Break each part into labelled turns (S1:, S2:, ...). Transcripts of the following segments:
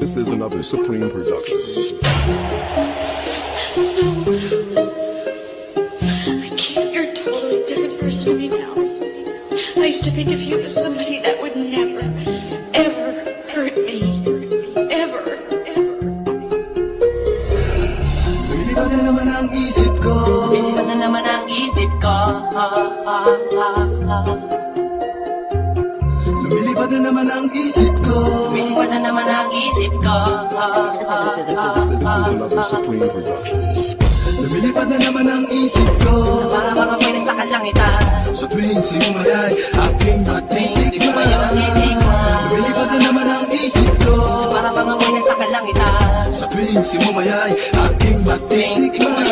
S1: This is another Supreme production.
S2: I can't. You're a totally different person to me now. I used to think of you as somebody that would never, ever hurt me. Ever, ever.
S3: Lumilipad na naman ang isip ko.
S4: Lumilipad na naman ang isip ko.
S3: Lumilipad na naman ang isip ko.
S4: Lumilipad na naman ang isip ko.
S1: This is another Supreme production.
S3: Lumilipad na naman ang isip ko.
S4: Para mga pwede sa kalangitan.
S3: Sa tuwing simulay aking matitikman. Lumilipad na naman ang isip ko.
S4: Para mga pwede sa kalangitan.
S3: Sa tuwing simumayay aking matitikman.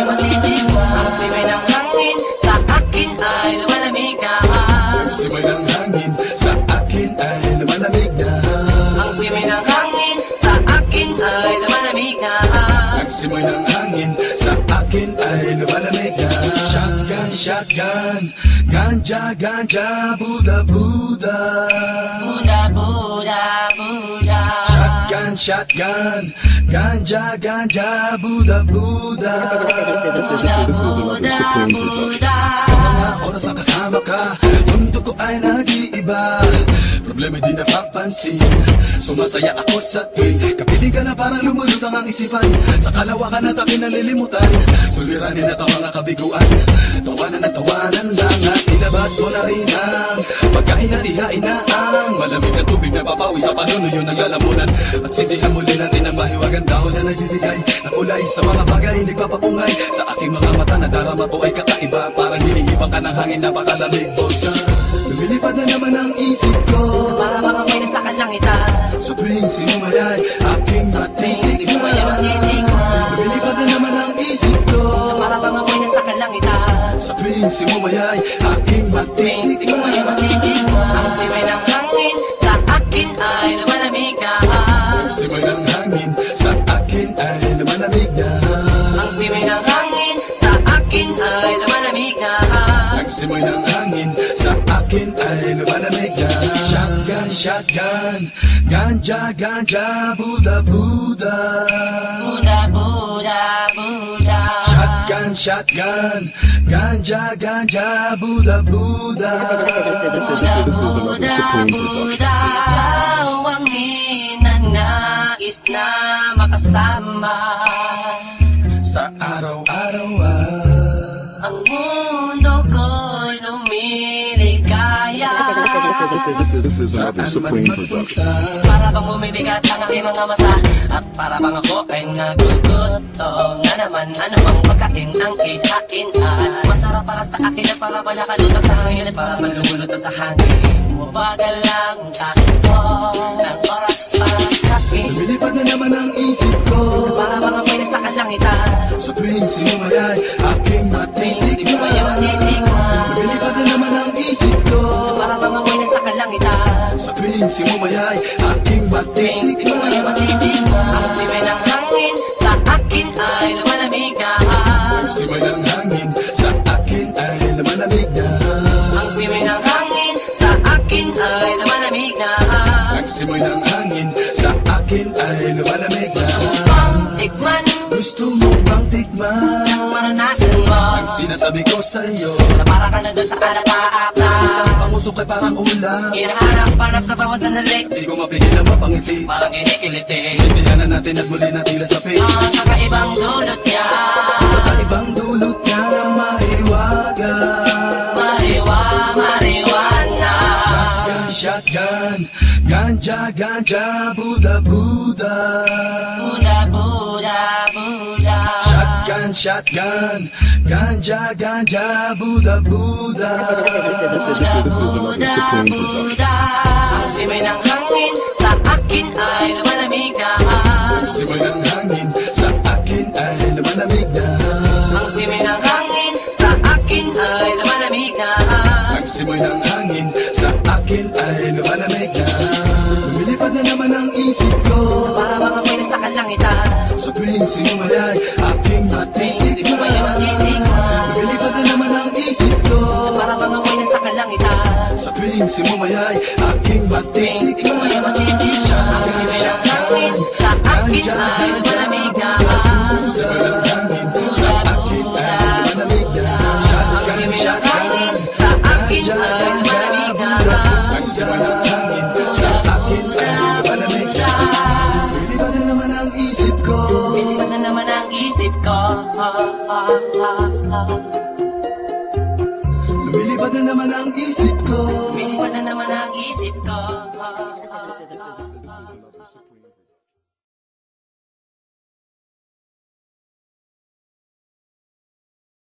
S4: Ang simay ng hangin sa akin ay lumalamig na.
S3: Ang simay ng hangin sa akin ay lumalamig na.
S4: Ang simay ng hangin sa akin ay lumalamig na.
S3: Ang simay ng hangin sa akin ay lumalamig na. Shotgun, shotgun, ganja, ganja, Buddha, Buddha.
S4: Buddha, Buddha, Buddha.
S3: Shotgun, shotgun, ganja, ganja, Buddha, Buddha.
S4: Buddha, Buddha, Buddha.
S3: Sa mga oras na kasama ka, mundo ko ay nag-iiba. Problema'y di napapansin. Sumasaya ako sa tuwing kapiling ka na parang lumulutang ang isipan. Sa kalawakan at aking nalilimutan, suliranin at ang mga kabiguan. Tawanan at tawanan lang at ilabas mo na rin ang pagkain at ihain na ang malamig na tubig na papawi sa panunuyo ng lalamunan. At sindihan muli natin ang mahiwagang dahon na nagbibigay na kulay sa mga bagay nagpapapungay. Sa aking mga mata na darama ko ay kakaiba, parang hinihipang ka ng hangin na pakalamig. Bulsa, lumilipad na naman ang isip ko.
S4: Para mga pwede sa kalangitan.
S3: Sa tuwing sinumayay aking matitikman. Lumilipad na naman ang isip ko.
S4: Para mga pwede sa kalangitan.
S3: Sa tuwing sinumayay aking matitikman.
S4: Ang simay ng hangin sa akin ay lumalamig na.
S3: Ang simay ng hangin sa akin ay lumalamig na.
S4: Ang simay ng hangin sa akin ay lumalamig na.
S3: Ang simay ng hangin sa akin ay lumalamig na. Shotgun, shotgun, ganja, ganja, Buddha, Buddha.
S4: Buddha, Buddha, Buddha.
S3: Shotgun, shotgun, ganja, ganja, Buddha, Buddha.
S4: Buddha, Buddha, Buddha. Ikaw ang ninanais na makasama.
S3: Sa araw-araw
S4: Ang mundo ko'y lumiligaya.
S1: This is another Supreme production.
S4: Para bang bumibigat ang aking mga mata, at para bang ako ay nagugutom na naman. Ano bang pagkain ang ihain ay masarap para sa akin at para ba nakaluto sa hangin at para man lumuluto sa hangin. Mabagal lang takbo ng oras para sa akin.
S3: lumilipad na naman ang isip ko.
S4: Para mga pwede sa kalangitan.
S3: Sa tuwing sinumayay aking matitikman. Lumilipad na naman ang isip ko.
S4: Para mga pwede sa kalangitan.
S3: Sa tuwing sinumayay aking matitikman.
S4: Ang simay ng hangin sa akin ay lumalamig na.
S3: Ang simay ng hangin sa akin ay lumalamig na.
S4: Ang simay ng hangin sa akin ay lumalamig na.
S3: Ang simay ng hangin sa akin ay lumalamig na.
S4: Tikman
S3: Gusto mo bang tikman
S4: ang maranasan mo.
S3: ang sinasabi ko sa'yo?
S4: Na para ka na doon sa alapaap na
S3: Isang pangusok ay parang ulam.
S4: hinahanap-hanap sa bawat sandali.
S3: Di ko mapigil ang mapangiti.
S4: Parang kinikiliti.
S3: Sindihan na natin at muli na tila sa pig.
S4: Ang kakaibang dulot niya.
S3: Kakaibang dulot niya na maiwaga.
S4: Mariwana.
S3: Shotgun, shotgun, ganja, ganja, Buddha, Buddha.
S4: Buddha, Buddha, Buddha.
S3: Shotgun, shotgun, ganja, ganja, Buddha, Buddha.
S4: Buddha, Buddha, Buddha. Ang simay ng hangin sa akin ay lumalamig na.
S3: Ang simay ng hangin sa akin ay lumalamig na.
S4: Ang simay ng hangin sa akin ay lumalamig na.
S3: Ang simay ng hangin sa akin ay lumalamig na. Lumilipad na naman ang isip ko.
S4: Para mga pwede sa kalangitan.
S3: Sa tuwing sinumayay aking matitikman. Lumilipad na naman ang isip ko.
S4: Para mga pwede sa kalangitan.
S3: Sa tuwing simumayay aking matitikman.
S4: Ang simay ng hangin sa
S3: sira ng hangin sa akin ay malamig na. Lumilipad na naman ang isip ko.
S4: Lumilipad na naman ang isip ko.
S3: Lumilipad na naman ang isip ko.
S4: Lumilipad na naman ang isip ko.